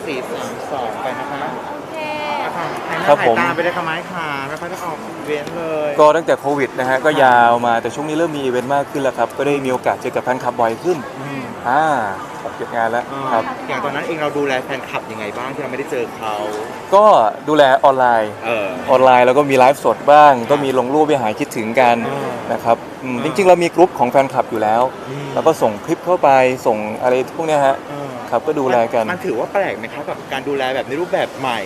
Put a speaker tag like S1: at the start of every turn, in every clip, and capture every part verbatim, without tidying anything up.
S1: สี่สามสองไปนะคะ
S2: โอเค
S1: ค่ะหายหน้า
S3: ครับ
S1: หาย
S3: ผม
S1: ตาไปได้ค่ะไม้ค่ะไม่ค่อยได้ออกอีเวนต์เลย
S3: ก็ตั้งแต่โควิดนะฮะก็ยาวมาแต่ช่วงนี้เริ่มมีอีเวนต์มากขึ้นแล้วครับก็ได้มีโอกาสเจอกับแฟนคลับบ่อยขึ้น
S1: อืม
S3: อ่าหกเจ็ดงานแล้ว
S1: อ่า
S3: ครับ
S1: อย่างตอนนั้นเองเราดูแลแฟนคลับยังไงบ้างที่เราไม่ได้เจอเขา
S3: ก็ดูแลออนไลน์
S1: เออ
S3: ออนไลน์แล้วก็มีไลฟ์สดบ้าง ก็มีลงรูปไปหายคิดถึงกัน
S1: อ่าน
S3: นะครับอืม
S1: อ่า
S3: จริงๆ เรามีกลุ่มของแฟนคลับอยู่แล้ว
S1: อืม
S3: แล้วก็ส่งคลิปเข้าไปส่งอะไรพวกเนี้ยฮะ
S1: เออ
S3: ครับก็ดูแลกัน
S1: มันถือว่าแปลกไหมครับกับการดูแลแบบในรูปแบบใหม่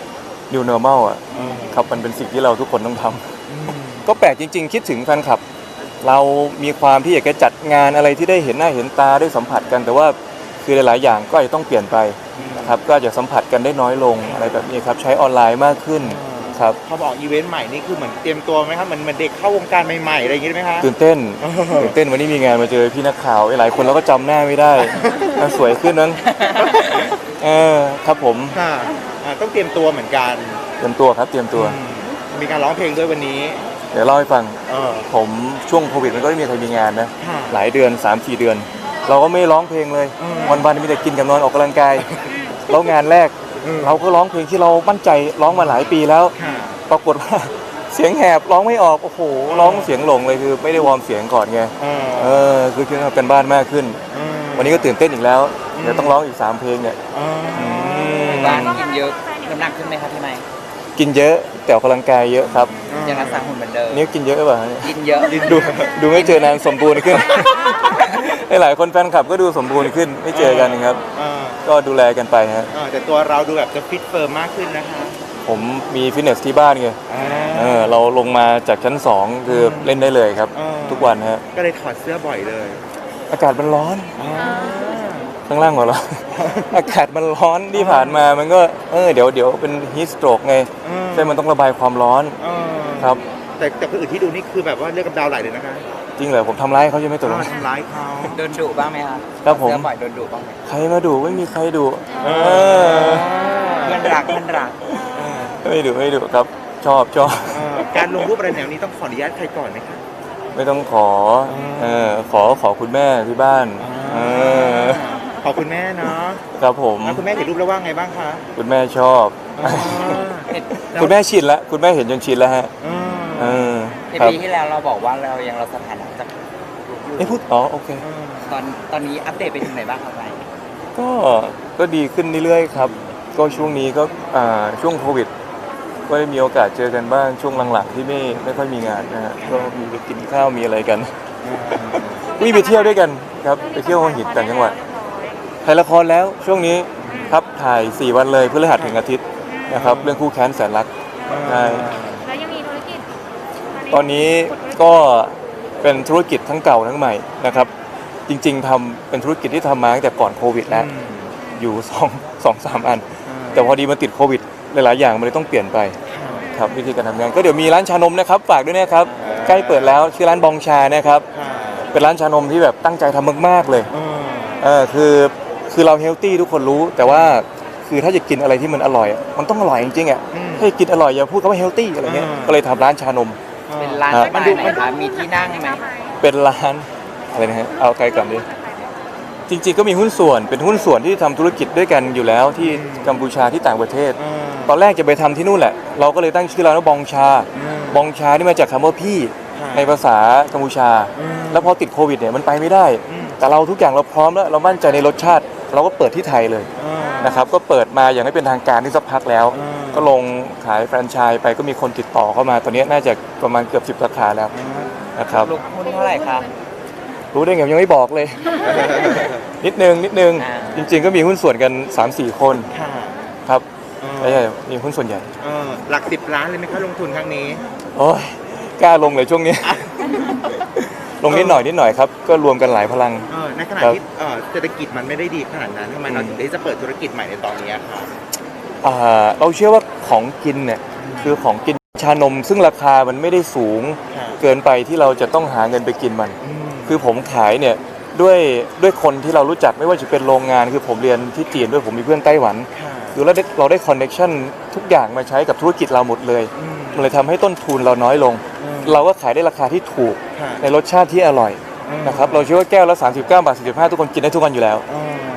S3: New Normal อ่ะ
S1: เออ
S3: ครับมันเป็นสิ่งที่เราทุกคนต้องทำ
S1: อืม
S3: ก็แปลกจริง ๆ คิดถึงแฟนคลับ เรามีความที่อยากจะจัดงานอะไรที่ได้เห็นหน้าเห็นตาได้สัมผัสกัน แต่ว่าคือหลายๆอย่างก็อาจจะต้องเปลี่ยนไปนะครับก็อาจจะสัมผัสกันได้น้อยลงอะไรแบบนี้ครับใช้ออนไลน์มากขึ้นครับ
S1: พอบอกอีเวนต์ใหม่นี่คือเหมือนเตรียมตัวไหมครับเหมือนเหมือนเด็กเข้าวงการใหม่ๆอะไรอย่างงี้ไหมคะ
S3: ตื่นเต้น
S1: เออ
S3: ตื่นเต้นวันนี้มีงานมาเจอพี่นักข่าวหลายคนเราก็จำหน้าไม่ได้น่าสวยขึ้นนั้นเออครับผม
S1: ค่ะอ่าต้องเตรียมตัวเหมือนกัน
S3: เตรียมตัวครับเตรียมตัว
S1: อืมมีการร้องเพลงด้วยวันนี้
S3: เดี๋ยวเล่าให้ฟัง
S1: เออ
S3: ผมช่วงโควิดมันก็ไม่มีใครมีงานนะ
S1: ค่ะ
S3: หลายเดือน สามสี่ เดือน เราก็ไม่ร้องเพลงเลย
S1: อืม
S3: วันๆมีแต่กินกับนอนออกกำลังกายแล้วงานแรก
S1: อืม
S3: เราก็ร้องเพลงที่เรามั่นใจร้องมาหลายปีแล้ว
S1: ค่ะ
S3: ปรากฏว่า เสียงแหบร้องไม่ออกโอ้โหร้องเสียงหลงเลยคือไม่ได้วอร์มเสียงก่อนไง
S1: เออ
S3: เออคือคือทำกันบ้านมากขึ้น
S1: เออ
S3: วันนี้ก็ตื่นเต้นอีกแล้ว
S1: อืม
S3: เดี๋ยวต้องร้องอีกสามเพลงเนี่ย
S1: เออ
S3: ม
S4: บ้านกินเยอะน้ำหนักขึ้นไหมครับพี่ไมค์
S3: กินเยอะแต่ออกกำลังกายเยอะครับ
S4: ยังรักษาหุ่นเหมือนเดิม
S3: นี่กินเยอะหรือเปล่าเนี่ย
S4: กินเยอะ
S3: ดูดูไม่เจอนานสมบูรณ์ขึ้น หลายคนแฟนคลับก็ดูสมบูรณ์ขึ้นไม่เจอกันนะครับ
S1: เออ
S3: ก็ดูแลกันไปฮะ
S1: เออแต่ตัวเราดูแบบจะฟิตเฟิร์มมากขึ้นนะคะ
S3: ผมมีฟิตเนสที่บ้านไง
S1: อ่า
S3: เออเราลงมาจากชั้นสองคือเล่นได้เลยครับ
S1: เออ
S3: ทุกวันฮะ
S1: ก็เลยถอดเสื้อบ่อยเลย
S3: อากาศมันร้อน
S1: อ่า
S3: ข้างล่างหัวเราะ อากาศมันร้อนที่ผ่านมามันก็เออเดี๋ยวเดี๋ยวเป็นฮีสโตรกไง
S1: เออ
S3: ใช่มันต้องระบายความร้อน
S1: เออ
S3: ครับ
S1: แต่แต่คนอื่นที่ดูนี่คือแบบว่าเลือดกำเดาวไหลเลยนะคะ
S3: จริงเหรอผมทำร้ายเขาใช่ไหมตัว
S1: อ่า
S3: นี้
S1: ทำร้ายเขา
S4: โดนดุบ้างไหมครับ
S3: ครับผม
S4: เสื้อบ่อยโดนดุบ้างไหม
S3: ใครมาดูไม่มีใครดู
S1: เอ
S3: เออ
S4: เพื่อนรักเพื่อนรัก
S1: เออ
S3: ไม่ดูไม่ดูครับ ชอบชอบ
S1: เออการลงรูปอะไรแนวนี้ต้องขออนุญาตใครก่อนไหมคะ
S3: ไม่ต้องขอ
S1: อ่า
S3: เออขอขอคุณแม่ที่บ้านเออ
S1: ขอบคุณแม่เนาะ
S3: ครับผม
S1: แล้วคุณแม่เห็นรูปแล้วว่าไงบ้างคะ
S3: คุณแม่ชอบ
S1: อ่า
S4: เห็น
S3: คุณแม่ชินแล้วคุณแม่เห็นจนชินแล้วฮะ
S1: เอ
S3: เอ
S1: อ
S3: อ
S4: เห็น
S3: ครับ
S4: ปีที่แล้วเราบอกว่าเรายังเราสถานะจาก
S3: ไอ้พูดอ๋อโอเค
S1: เออ
S4: ตอนตอนนี้อัปเดตไปถึงไหนบ้างครับไมค์
S3: ก็ก็ดีขึ้นเรื่อยๆครับ ก็ช่วงนี้ก็อ่าช่วงโควิด ก็ได้มีโอกาสเจอกันบ้างช่วงหลังๆที่ไม่ไม่ค่อยมีงานนะฮะก็มีไปกินข้าวมีอะไรกันมีไปเที่ยวด้วยกันครับไปเที่ยวหัวหินต่างจังหวัดถ่ายละครแล้วช่วงนี้ครับถ่ายสี่วันเลยพฤหัสถึงอาทิตย์นะครับเรื่องคู่แค้นแสนรักใช่
S2: แล้วยังมีธุรกิจ
S3: ตอนนี้ก็เป็นธุรกิจทั้งเก่าทั้งใหม่นะครับ จริงๆทำเป็นธุรกิจที่ทำมาตั้งแต่ก่อนโควิดแล้ว
S1: อืม
S3: อยู่สองสองสามอัน
S1: อ่า
S3: แต่พอดีมาติดโควิด หลายๆอย่างมันเลยต้องเปลี่ยนไปครับวิธีการทำงานก็เดี๋ยวมีร้านชานมนะครับฝากด้วยนะครับใกล้เปิดแล้วชื่อร้านบองชานะครับ
S1: ค่ะ
S3: เป็นร้านชานมที่แบบตั้งใจทำมากๆเลย
S1: เออ
S3: เออคือคือเราเฮลตี้ทุกคนรู้ แต่ว่าคือถ้าจะกินอะไรที่มันอร่อยอะมันต้องอร่อยจริงๆอ่ะ
S1: อืม
S3: ถ้าจะกินอร่อยอย่าพูดคำว่าเฮลตี้อะไรเงี้ย
S1: อ่า
S3: ก็เลยทำร้านชานม
S4: เป็นร้าน
S3: ครับ
S4: สไตล์ไหนครับมีที่นั่งไหม
S3: เป็นร้านอะไรนะฮะเอาใครก่อนดิจริงๆก็มีหุ้นส่วนเป็นหุ้นส่วนที่ทำธุรกิจด้วยกันอยู่แล้วที่กัมพูชาที่ต่างประเทศ
S1: เออ
S3: ตอนแรกจะไปทำที่นู่นแหละ เราก็เลยตั้งชื่อร้านว่าบองชา
S1: อืม
S3: บองชานี่มาจากคำว่าพี่
S1: ค่ะ
S3: ในภาษากัมพูชา
S1: อืม
S3: แล้วพอติดโควิดเนี่ยมันไปไม่ได้
S1: อืม
S3: แต่เราทุกอย่างเราพร้อมแล้วเรามั่นใจในรสชาติ เราก็เปิดที่ไทยเลย
S1: เออ
S3: นะครับก็เปิดมาอย่างไม่เป็นทางการที่สักพักแล้ว
S1: อืม
S3: ก็ลงขายแฟรนไชส์ไปก็มีคนติดต่อเข้ามาตอนนี้น่าจะประมาณเกือบสิบสาขาแล้วนะครับ
S4: ลูกหุ้นเท่าไหร่ครับ
S3: รู้ได้ไงยังไม่บอกเลย นิดนึงนิดนึง
S4: อ่า
S3: จริง ๆ ก็มีหุ้นส่วนกัน สามสี่ คน
S1: ค่ะ
S3: ครับ
S1: เออ
S3: ไม่ใช่มีหุ้นส่วนใหญ่
S1: เออหลักสิบล้านเลยไหมคะลงทุนครั้งนี้
S3: โอ้ยกล้าลงเลยช่วงนี้ ลงนิดหน่อยนิดหน่อยครับก็รวมกันหลายพลัง
S1: เออในขณะ
S3: ครับ
S1: ที่เออเศรษฐกิจมันไม่ได้ดีขนาดนั้นทำไมเราถึงได้จะเปิดธุรกิจใหม่ในตอนนี้ครับ
S3: อ่าเราเชื่อว่าของกินเนี่ยคือของกินชานม ซึ่งราคามันไม่ได้สูง
S1: ค่ะ
S3: เกินไปที่เราจะต้องหาเงินไปกินมัน
S1: อืม
S3: คือผมขายเนี่ยด้วยด้วยคนที่เรารู้จักไม่ว่าจะเป็นโรงงานคือผมเรียนที่จีนด้วยผมมีเพื่อนไต้หวัน
S1: ค่ะ
S3: คือเราได้เราได้คอนเนคชั่นทุกอย่างมาใช้กับธุรกิจเราหมดเลย
S1: อืม
S3: มันเลยทำให้ต้นทุนเราน้อยลง
S1: อืม
S3: เราก็ขายได้ราคาที่ถูก
S1: ค่ะ
S3: ในรสชาติที่อร่อย
S1: อืม
S3: นะครับเราเชื่อว่าแก้วละสามสิบเก้าบาทสี่สิบห้าทุกคนกินได้ทุกวันอยู่แล้ว
S1: เออ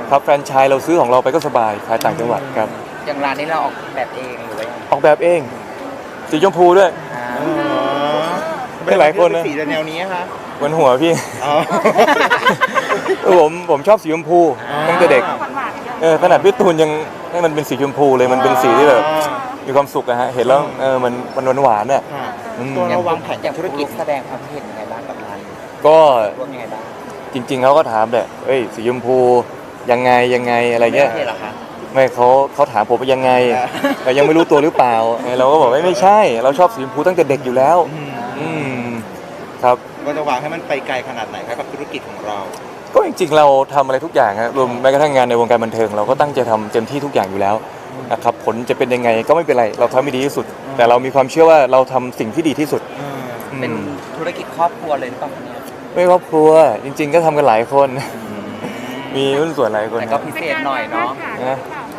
S3: ครับแฟรนไชส์เราซื้อของเราไปก็สบายขายต่างจังหวัดครับ
S4: อย่างร้านนี้เราออกแบบเองหรือว่ายังไง
S3: ออกแบบเองสีชมพูด้วย
S4: อ่า
S1: อ๋อ
S3: ไม่หลายคนนะ
S1: สีแนวนี้คะ
S3: บนหัวพี่
S1: อ๋อ
S3: ผมผมชอบสีชมพูตั้งแต่เด็ก
S2: หวานๆ
S3: เออขนาดพี่ตูนยังให้มันเป็นสีชมพูเลยมันเป็นสีที่แบบมีความสุขอะฮะเห็นแล้วเออมันมันหวานๆอะ
S1: ค่ะ
S3: อืม
S1: ตัวเราวางแผน
S4: อย่าง
S1: ธุ
S4: ธุ
S1: ร
S4: ร
S1: กิ
S4: กิ
S1: จ
S4: จแสดงความเห็นยังไงบ้างกับร้านนี้
S3: ก็
S4: ร่วมยังไงบ้าง
S3: จริง ๆเขาก็ถามแหละเอ้ยสีชมพูยังไงยังไงอะไรเงี้ย
S4: ไม่ใช่เหรอคะ
S3: ไม่เขาเขาถามผมว่ายังไงแต่ยังไม่รู้ตัวหรือเปล่าเออเราก็บอกว่าไม่ใช่ เราชอบสีชมพูตั้งแต่เด็กอยู่แล้ว
S1: อืม
S3: อืมครับ
S1: ก็จะวางให้มันไปไกลขนาดไหนครับกับธุรกิจของเรา
S3: ก็จริงๆเราทำอะไรทุกอย่างครับรวมแม้กระทั่งงานในวงการบันเทิงเราก็ตั้งใจทำเต็มที่ทุกอย่างอยู่แล้วนะครับผลจะเป็นยังไงก็ไม่เป็นไรเราทำให้ดีที่สุด แต่เรามีความเชื่อว่าเราทำสิ่งที่ดีที่สุด
S4: เป็น
S3: อืม
S4: ธุรกิจครอบครัวเลยหรือเปล่าคะเนี่ย
S3: ไม่ครอบครัวจริง ๆ ก็ทำกันหลายคน มีหุ้นส่วนหลายคน
S4: แต่ก็พิเศษหน่อยเนาะ
S3: นะ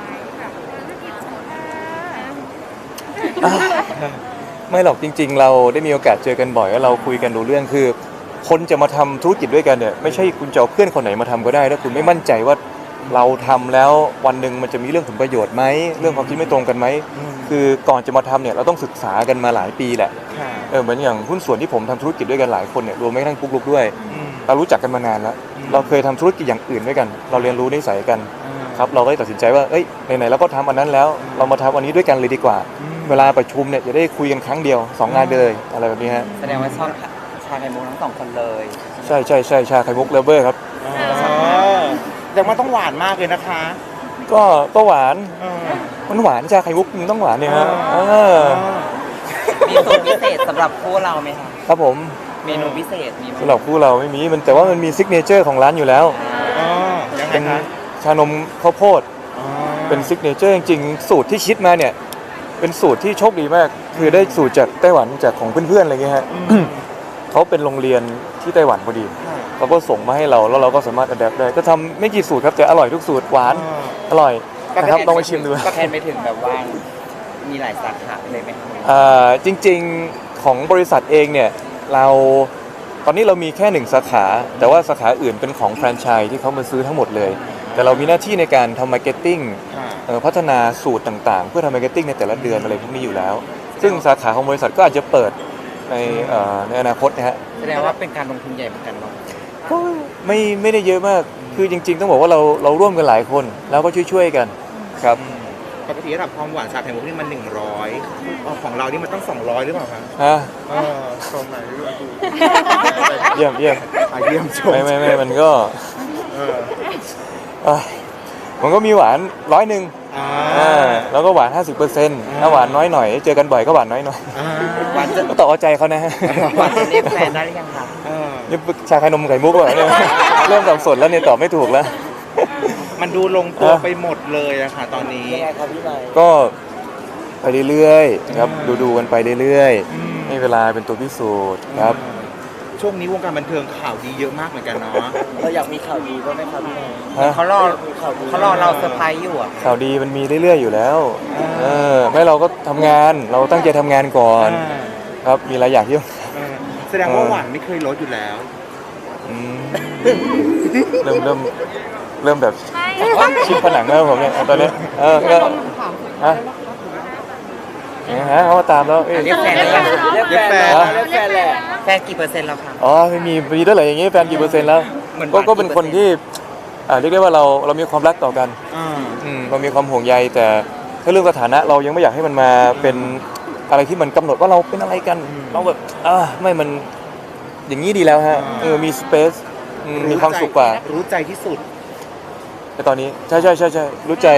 S3: ไม่หรอกจริง ๆ เราได้มีโอกาสเจอกันบ่อยแล้วเราคุยกันรู้เรื่องคือ คนจะมาทำธุรกิจด้วยกันเนี่ยไม่ใช่คุณจะเอาเพื่อนคนไหนมาทำก็ได้ถ้าคุณไม่มั่นใจว่าเราทำแล้ววันหนึ่งมันจะมีเรื่องผลประโยชน์ไหมเรื่องความคิดไม่ตรงกันไหม
S1: อืม
S3: คือก่อนจะมาทำเนี่ยเราต้องศึกษากันมาหลายปีแหละ
S1: ค่ะ
S3: เออเหมือนอย่างหุ้นส่วนที่ผมทำธุรกิจด้วยกันหลายคนเนี่ยรวมแม้กระทั่งปุ๊กลุกด้วย
S1: อืม
S3: เรารู้จักกันมานานแล้ว
S1: อืม
S3: เราเคยทำธุรกิจอย่างอื่นด้วยกัน เราเรียนรู้นิสัยกัน
S1: อืม
S3: ครับเราก็เลยตัดสินใจว่าเอ้ยไหนๆเราก็ทำอันนั้นแล้ว เรามาทำอันนี้ด้วยกันเลยดีกว่า
S1: อืม
S3: เวลาประชุมเนี่ยจะได้คุยกันครั้งเดียวสองงานไปเลยอะไรแบบนี้ฮะ
S4: แสดงว่าชอบชาไข่มุกทั้งสองคนเลย
S3: ใช่ใช่ใช่ชาไข่มุกเลฟเวอร์ครับ
S1: อ๋อแต่มันต้องหวานมากเลยนะคะ
S3: ก็ก็หวาน
S1: เออ
S3: มันหวานชาไข่มุกมันต้องหวานเนี่ยฮะ
S1: อ๋อ
S3: เออ
S4: มีสูตรพิเศษสำหรับคู่เราไหมคะ
S3: ครับผม
S4: เมนูพิเศษมีไหม
S3: สำหรับคู่เราไม่มีมันแต่ว่ามันมีซิกเนเจอร์ของร้านอยู่แล้ว
S1: อ๋อยังไง
S3: เป็น
S1: คะ
S3: ชานมข้าวโพด
S1: อ๋อ
S3: เป็นซิกเนเจอร์จริงๆสูตรที่คิดมาเนี่ยเป็นสูตรที่โชคดีมาก คือได้สูตรจากไต้หวันจากของเพื่อนๆอะไรเงี้ยฮะ
S1: อืม
S3: เขาเป็นโรงเรียนที่ไต้หวันพอดี
S1: ค่ะ
S3: เขาก็ส่งมาให้เราแล้วเราก็สามารถอัดแอปได้ก็ทำไม่กี่สูตรครับแต่อร่อยทุกสูตรหวาน
S1: อ๋อ
S3: อร่อยนะครับลองไปชิมดู
S4: ก็แทนไปถึงแบบว่ามีหลายสาขาเลยไหมคะ
S3: อ่าจริงๆของบริษัทเองเนี่ยเราตอนนี้เรามีแค่หนึ่งสาขา แต่ว่าสาขาอื่นเป็นของแฟรนไชส์ที่เขามาซื้อทั้งหมดเลย แต่เรามีหน้าที่ในการทำมาร์เก็ตติ้ง
S1: ค่ะ
S3: เอ่อพัฒนาสูตรต่างๆ เพื่อทำมาร์เก็ตติ้งในแต่ละเดือนอะไรพวกนี้อยู่แล้ว ซึ่งสาขาของบริษัทก็อาจจะเปิดในเอ่อในอนาคตนะฮะ
S4: แสดงว่าเป็นการลงทุนใหญ่เหมือนกันเนาะ
S3: ก็ไม่ไม่ได้เยอะมาก คือจริง ๆ ต้องบอกว่าเราเราร่วมกันหลายคน แล้วก็ช่วยๆกันครับ
S1: อืมปกติระดับความหวานชาไข่มุกนี่มันหนึ่งร้อยของเรานี่มันต้องสองร้อยหรือเปล่าคะ
S3: ฮะ
S1: เออตรงไหนด้วย
S3: เยี่ยมเยี่ยม
S1: อ่ะเยี่ยมชม
S3: ไม่ไม่ไม่มันก็
S1: เออ
S3: เอ้ยมันก็มีหวานร้อยหนึ่ง
S1: อ่า
S3: อ่าแล้วก็หวาน ห้าสิบเปอร์เซ็นต์ ถ้าหวานน้อยหน่อยเจอกันบ่อยก็หวานน้อยหน่อย
S1: อ่า
S4: หวานจะ
S3: ก็ต่อเอาใจเขานะฮะ
S4: หวานจะเรียกแฟนได้หรือยังคะ
S1: เออ
S3: นี่ชาไข่นมไข่มุกเหรอเนี่ย เริ่มสับสนแล้วเนี่ยตอบไม่ถูกแล้ว
S1: มันดูลงตัว
S3: อ่ะ
S1: ไปหมดเลยอะค่ะตอนนี้
S4: ยังไงครับพี่ใบ
S3: ก็ไปเรื่อยๆครับ
S1: อืม
S3: ดูดูๆกันไปเรื่อย
S1: อืม
S3: ๆให้เวลาเป็นตัวพิสูจน์ครับ
S1: ช่วงนี้วงการบันเทิงข่าวดีเยอะมากเหมือนกันเนาะ
S4: เราอยากมีข่าวดีด้วยไหมครับพี่ใบ
S3: ฮะ
S4: เขารอเขารอเราเซอร์ไพรส์อยู่อ่ะ
S3: ข่าวดีมันมีเรื่อยๆอยู่แล้ว
S1: อ่า
S3: เออไม่เราก็ทำงานเราตั้งใจทำงานก่อน
S1: อ่า
S3: ครับมีหลายอย่างที่ต้อง
S1: เออแสดงว่า
S3: เออ
S1: หวานไม่เคยลดอยู่แล้ว
S3: อืมเริ่มเริ่มเริ่มแบบ
S2: ไม่
S3: ชิดผนังแล้วผมเนี่ยตอนนี้เออก็ฮะเนี่ยฮะเขามาตามแล้วเอ้ย
S4: เรียกแฟนได้ยัง
S1: เรียกแฟน
S3: ฮะ
S4: เรียกแฟนแหละแฟนกี่เปอร์เซ็นต์แล้วครับ
S3: อ๋อไม่มีมีด้วยเหรออย่างงี้แฟนกี่เปอร์เซ็นต์แล้ว
S4: เหมือน
S3: ก็
S4: หวาน
S3: ก็เป็น
S4: กี่
S3: คน
S4: เปอร์เซ็นต์
S3: ที่อ่าเรียกได้ว่าเราเรามีความรักต่อกัน
S1: อ่า
S3: อืมเรามีความห่วงใยแต่ถ้าเรื่องสถานะเรายังไม่อยากให้มันมาเป็นอะไรที่มันกำหนดว่าเราเป็นอะไรกัน เราแบบอ่าไม่มันอย่างนี้ดีแล้วฮะเออมีสเปซมีความสุขกว่า
S1: รู้ใจที่สุด
S3: แต่ตอนนี้ใช่ใช่ใช่ใช่รู้ใจ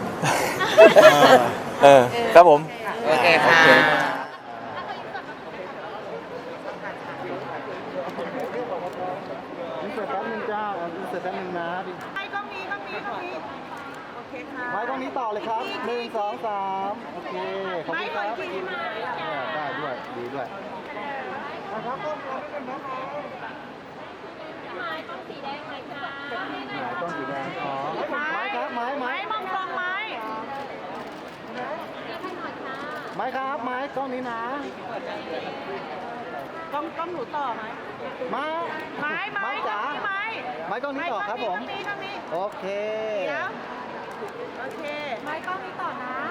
S3: เออครับผม
S4: โอเคค่ะ
S1: อินเสิร์ตแป๊บนึงจ้าอินเสิร์ตแป๊บนึงนะ
S2: ไม่ก็มีก็มีก็มีโอเคค่ะ
S1: ไว้ตรงนี้ต่อเลยครับหนึ่งสองสามโอเค ขอบคุณครับ
S2: ไม่ขออีกทีมา
S1: เออได้ด้วย ดีด้วยนะครับต้นสีแดงเลยค่ะหมายต้นสีแดงอ๋อไม้ครับไม้ไม้
S2: ไม้มองตรงไม้
S1: ไม้ครับไม้กล้องนี้นะ
S2: ต้องต้องหนูต่อไหม
S1: ไไม้
S2: ไม้ไม้
S1: จ๋า
S2: ไม้
S1: ไม้กล้องนี้ต่อครับผม
S2: ตรงนี้ตรงนี้
S1: โอเค
S2: เดี๋ยวโอเค
S5: ไม้กล้องนี้ต่อนะ